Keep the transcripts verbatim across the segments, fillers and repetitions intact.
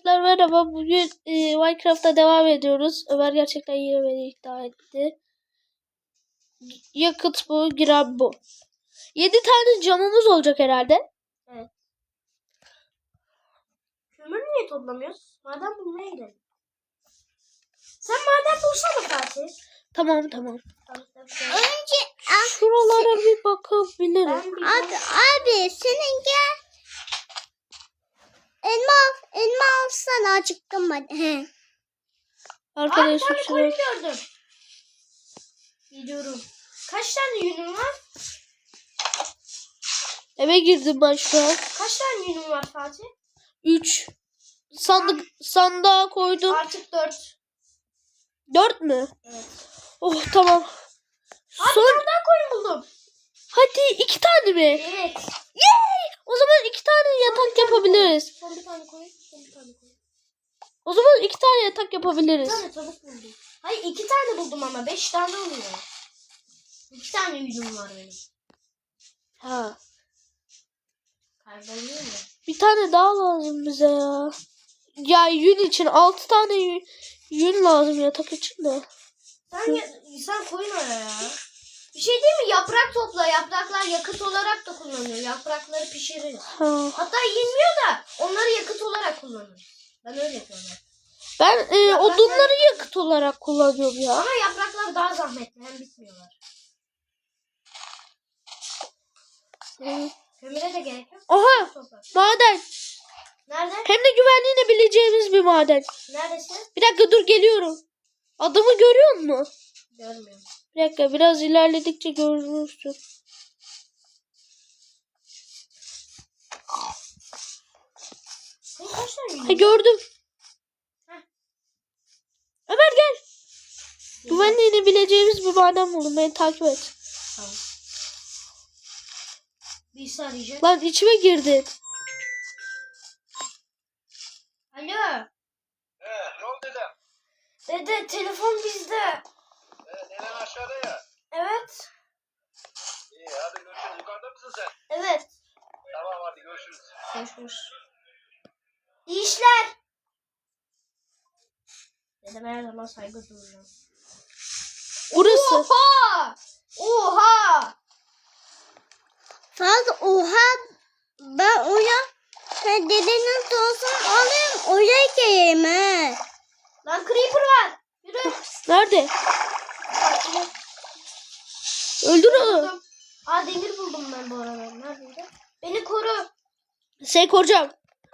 Arkadaşlar merhaba. Bugün e, Minecraft'ta devam ediyoruz. Ömer gerçekten yine beni ikna etti. Yakıt bu, giren bu. yedi tane camımız olacak herhalde. Evet. Kömür niye toplamıyoruz? Maden bulmaya gidelim. Sen maden bulsana Fatih. Tamam tamam. Önce Şuralara bir bakabilirim. Ben bir abi abi senin gel. Elma al, elma alsana acıktım ben. He. Aa, bir Arkadaşlar tane koyun şuraya. gördüm. Gidiyorum. Kaç tane yünün var? Eve girdim ben şu an. Kaç tane yünün var Fatih? üç. Sandık sandığa koydum. Artık dört. dört mü? Evet. Oh tamam. Abi Son. bir tane koyun buldum. Hadi iki tane mi? Evet. Yay! O zaman iki tane yatak yapabiliriz. Son bir tane koyun. Son bir tane koyun. O zaman iki tane yatak Bir yapabiliriz. tane tavuk buldum. Hayır iki tane buldum ama beş tane oluyor. İki tane yünüm var benim. Ha. Kayboluyor mu? Bir tane daha lazım bize ya. Ya yün için altı tane yün, yün lazım yatak için de. Sen, ya, sen koyun oraya ya. Bir şey değil mi? Yaprak topla. Yapraklar yakıt olarak da kullanılıyor. Yaprakları pişiririz. Ha. Hatta yenmiyor da onları yakıt olarak kullanıyoruz. Ben öyle yapıyorum. Ben e, Yapraklar- odunları yakıt olarak kullanıyorum ya. Ama yapraklar daha zahmetli. Hem bitmiyorlar. Hı. Kömüre de gerek yok. Aha Topla. maden. Nerede? Hem de güvenliğini bileceğimiz bir maden. Neredesin? Bir dakika dur geliyorum. Adımı görüyor musun? Görmüyorum. Bir dakika biraz ilerledikçe görürsün. Senin kaç tane yünün Ha, var? gördüm. Heh. Ömer gel. Güvenliğini bileceğimiz bir maden buldum. Beni takip et. Tamam. Birisi arayacak. Lan içime girdin. Alo. He, ne oldu dedem? Dede telefon bizde. He, neden aşağıda ya? Evet. İyi, hadi görüşürüz. Yukarıda mısın sen? Evet. Tamam, hadi görüşürüz. Görüşürüz. İyi işler. Dedeme her zaman saygı duyuyorum. Burası. Oha! Oha! Fazla oha ben oraya sen dedenin olsun alayım oraya geleyim he. Lan creeper var. Yürü. Nerede? Öldür onu. Buldum. Aa demir buldum ben bu arada. Neredeydi? Beni koru. Seni koruyacağım.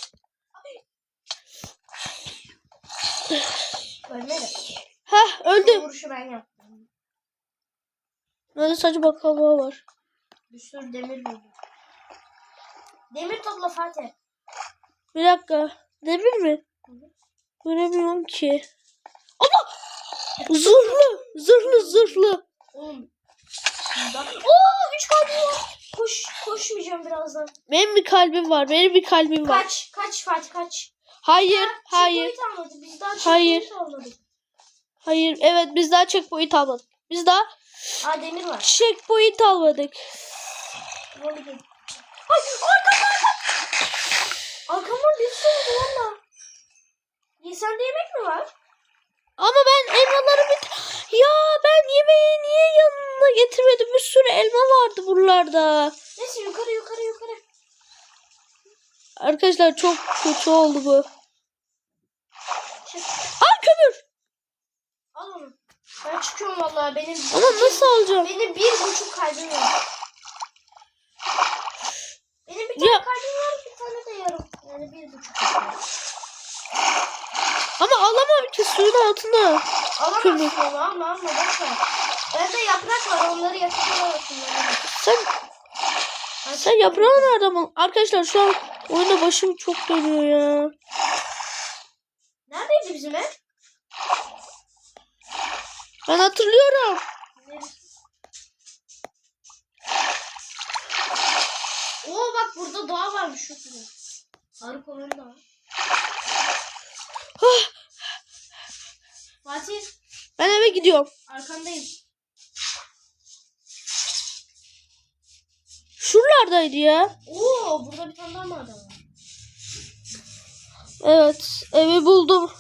Ölmedi. Hah Bu öldüm. vuruşu ben yaptım. Böyle saçma bakalım var. Bir sürü demir buldum. Demir topla Fatih. Bir dakika. Demir mi? Göremiyorum ki. Ama zırhlı. Zırhlı zırhlı. Oğlum. Oo üç kalbim var. Koş, koşmayacağım birazdan. Benim bir kalbim var. Benim bir kalbim var. Kaç, kaç Fatih kaç. Hayır. Ha, Hayır. checkpoint almadı. Biz daha Hayır. checkpoint almadık. Hayır. Evet biz daha checkpoint almadık. Biz daha Aa demir var. checkpoint almadık. Vallahi. Ay arkam arkam. Arkamdan bir sürü valla. Ya sende yemek mi var? Ama ben elmaları bir... Ya ben yemeği niye yanına getirmedim? Bir sürü elma vardı buralarda. Neyse yukarı yukarı yukarı. Arkadaşlar çok kötü oldu bu. Çık. Aa kömür. Al onu. Ben çıkıyorum vallahi benim. Ama nasıl alacağım? Benim bir buçuk kalbim var. Benim bir tane Ya. kalbim var, bir tane de yarım. Yani bir buçuk kalbim var. Ama alamam ki suyun altında. Alamazsın onu alma alma boşver. Bende yaprak var onları yakıtlara kullanırım. Sen sen yaprağı nereden buldun? Arkadaşlar şu an oyunda başım çok dönüyor ya. Neredeydi bizim ev? Ben hatırlıyorum. Oo bak burada dağ varmış şu gibi. Arı konuğum da var. Ah, Fatih ben eve gidiyorum. arkandayım. Şuralardaydı ya. Oo burada bir tane daha maden var. Evet, evi buldum.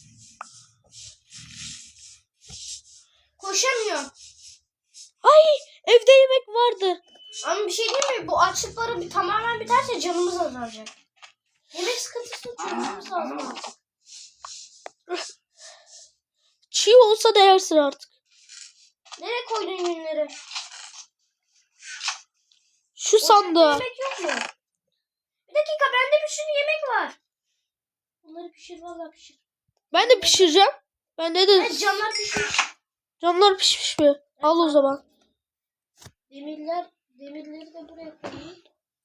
Koşamıyorum. Ay, evde yemek vardı. Ama bir şey değil mi? Bu açlıkları bir tamamen biterse canımız azalacak. Yemek sıkıntısını çözmemiz lazım artık. Çiğ olsa da yersin artık. Nereye koydun yünleri? Şu Ocakta sandığa. yemek yok mu? Bir dakika, bende bir sürü yemek var. Bunları pişir, vallahi pişir. Ben de pişireceğim. Bende de Evet, camlar pişmiş. camlar pişmiş mi? Al o zaman. Demirler, demirleri de buraya koyayım.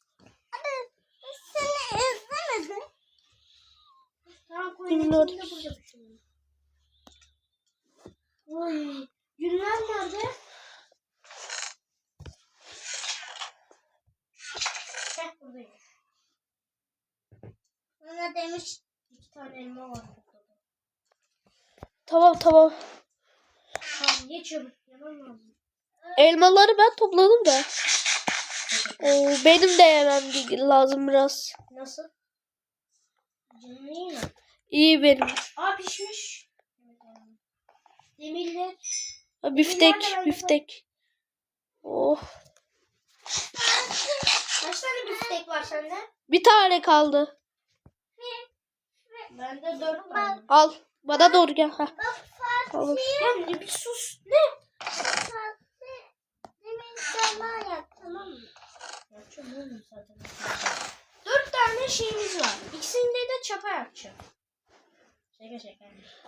Seni izlemedim. Tamam, koyayım. Demirler Hepsini de burada pişirelim. Oy, yünler nerede? Heh, buradayım. Bana demiş. İki tane elma var burada. Tamam tamam. Tamam, geçiyorum. Yemem lazım. Elmaları ben topladım da. Oo, benim de yemem lazım biraz. Nasıl? Canın iyi mi? İyi benim. Aa, pişmiş. Demirler. Ha, biftek, biftek. Oh. Kaç tane biftek var sende? Bir tane kaldı. Bende dört tane. Al. Bana doğru gel. Ha. Tamam. Ya ne bir sus. Ne? Demin zaman yap, tamam mı? Yapacağım oğlum zaten. Dört tane şeyimiz var. İkisinde de çapa yapacağım. Şaka şaka.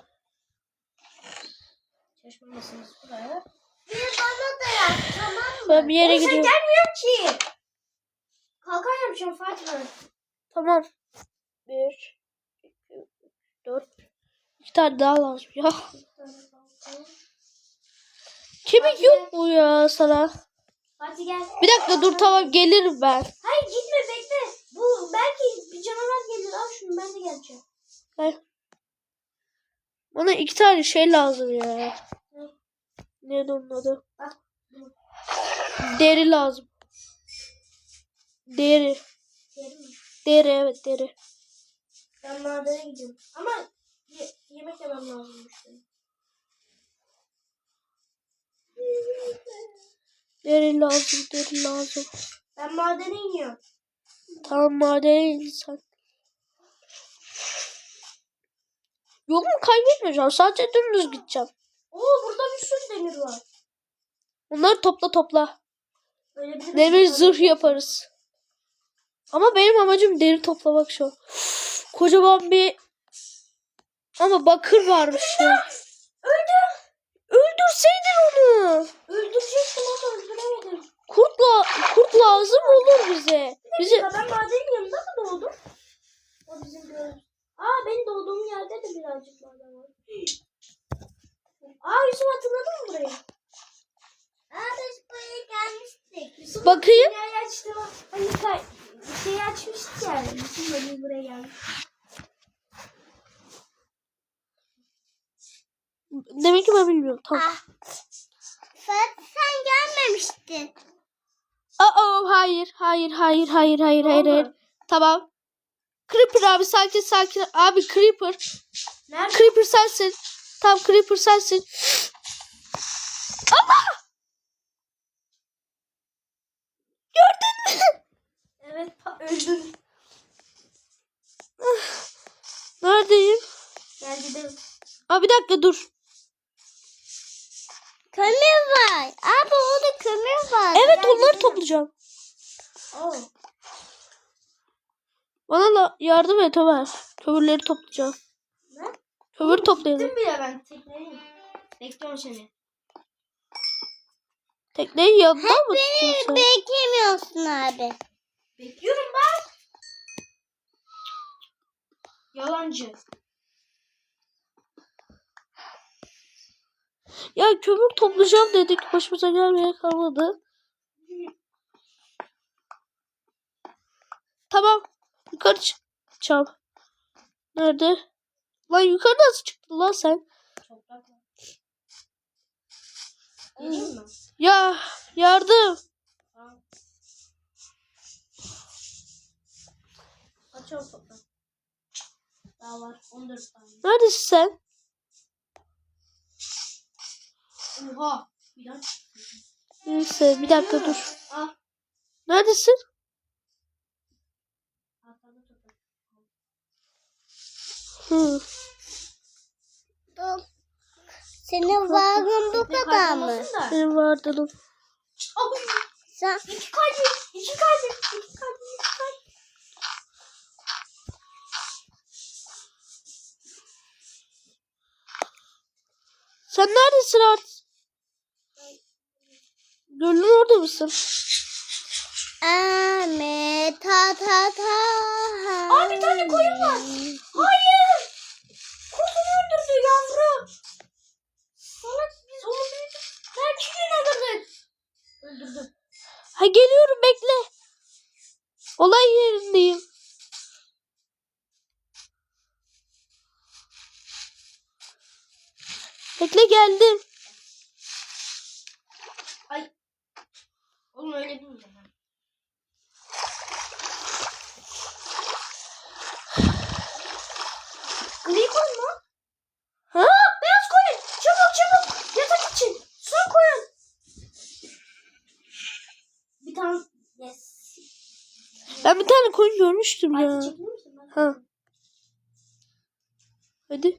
Çalışmamasınız buraya. Bir bana da yap, tamam mı? Ben bir yere Oğlum sen gidiyorum. gelmiyorsun ki. Kalkan yapacağım Fatih ben. Tamam. Bir, iki, üç, dört. İki tane daha lazım ya. Kemik yok mu ya sana? Fatih gel. Bir dakika dur tamam gelirim ben. Hayır gitme, bekle. Bu belki bir canavar gelir. Al şunu, ben de geleceğim. Gel. Bana iki tane şey lazım ya. Neydi onun adı? Bak. Deri lazım. Deri. Yerim mi? Deri evet deri. Ben madene gidiyorum. Ama ye- yemek yemem lazımmış benim. Deri lazım deri lazım. Ben madene iniyorum. Tamam madene insan. Yolumu kaybetmeyeceğim. Sadece dümdüz gideceğim. Oo, burada bir sürü demir var. Bunları topla topla. Öyle bir Demir zırh yaparız. Ama benim amacım deri toplamak şu an. Kocaman bir ama bakır varmış ya. Öldüm. Öldürseydin onu. Öldürecektim ama öldüremedim. Kurt, la kurt lazım olur bize. Bize Ya ben madenin yanında mı doğdum? O bizim gördüğümüz. Aa, benim doğduğum yerde de birazcık maden var. Aa, Yusuf hatırladın mı burayı? Aa, biz buraya gelmiştik. Yusuf Bakayım. dünyayı açtı. Hani kay şeyi açmıştık yani. Yusuf böyle buraya gelmiş. demek ki ben bilmiyorum. Tamam. Ah. Sen, sen gelmemiştin. Aa hayır hayır hayır hayır hayır hayır Ne hayır. oldu? Tamam. Creeper abi sakin sakin. Abi Creeper. Nerede? Creeper sensin. Tamam Creeper sensin. Allah! Gördün mü? Evet, pa- öldüm. Neredeyim? Gel gidelim. Aa bir dakika dur. Kömür var. Abi orada kömür var. Evet Gel onları gidelim. toplayacağım. Oo. Bana da yardım et Ömer. Kömürleri toplayacağım. Ne? Kömür toplayalım. Gittim bile ben tekneyim. Bekliyorum seni. Tekneyi yanından mı Beni tutuyorsun? beklemiyorsun abi. Bekliyorum ben. Yalancı. Ya kömür toplayacağım dedik. Başımıza gelmeye kalmadı. Tamam. Yukarı çıkacağım. Nerede? Lan yukarı nasıl çıktın lan sen? Toprak var. Geleyim mi? Ya yardım. Tamam. Açalım toprak. Daha var. on dört tane. Neredesin sen? Oha. Bir dakika. Neyse bir dakika dur. Al. Neredesin? Arkada toprak. Hı. Dur. Senin varlığın bu Tekne kadar mı? kaybolmasın da. Benim vardı. Al. Sen İki kalbi. İki kalbi. İki kalbi. İki kalbi. Sen neredesin artık? Gölün orada mısın? Ahmet ta ta ta. Aa, bir tane koyun var. Hayır. Kuzunu öldürdü yavru. Salak biz onu büyüdük. Belki gün öldürdük. Öldürdü. Ha geliyorum bekle. Olay yerindeyim. Bekle geldim. Ay. Oğlum öyle değil mi? Gri koyun mu? Ha? Beyaz koyun. Çabuk çabuk. Yatak için. Su koyun. Bir tane. Yes. Ben bir tane koyun görmüştüm ya. Artık çekilir misin? Ben- Ha. Hadi.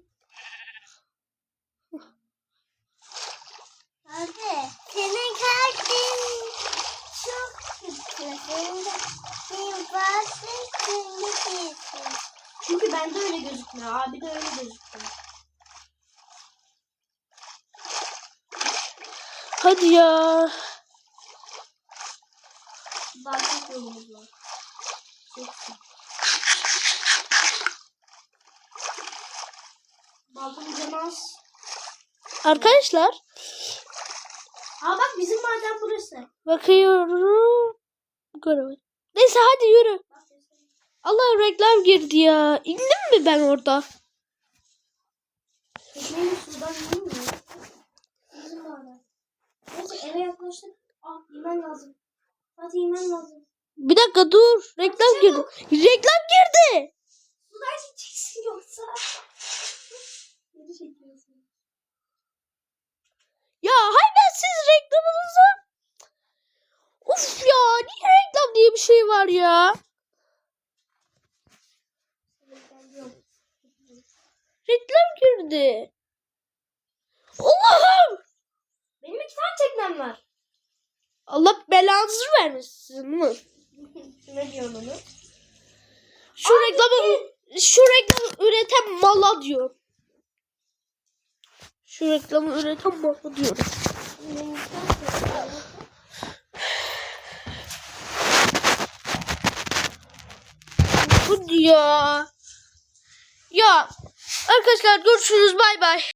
Abi senin kalbin çok kötü. Senin de senin varlığın kirli değilsin. Çünkü bende öyle gözükmüyor. Abi de öyle gözüküyor. Hadi ya. Daha çok yolumuz var. Yoksa. Baltamız yemez. Arkadaşlar Aa bak bizim maden burası. bakıyorum. Göremedim. Neyse hadi yürü. Bak mesela. Allah reklam girdi ya. İndim mi ben orada? Tekneyi sudan yiyeyim mi? Bizim maden. Neyse eve yaklaştık. Aa yemen lazım. Hadi yemen lazım. Bir dakika dur. Reklam girdi. Reklam girdi. Sudan gideceksin yoksa. Geri çekiyorsun. Ya hayır siz reklamınızı. Uf ya niye reklam diye bir şey var ya? Reklam girdi. Allah'ım. Benim iki tane teknem var. Allah belanızı vermesin mi? Ne diyorsun onu? Şu reklamı şu reklamı üreten mala diyor. Şu reklamı üreten mala diyor. Benim iki tane teknem var. Hadi ya. Ya arkadaşlar görüşürüz bay bay.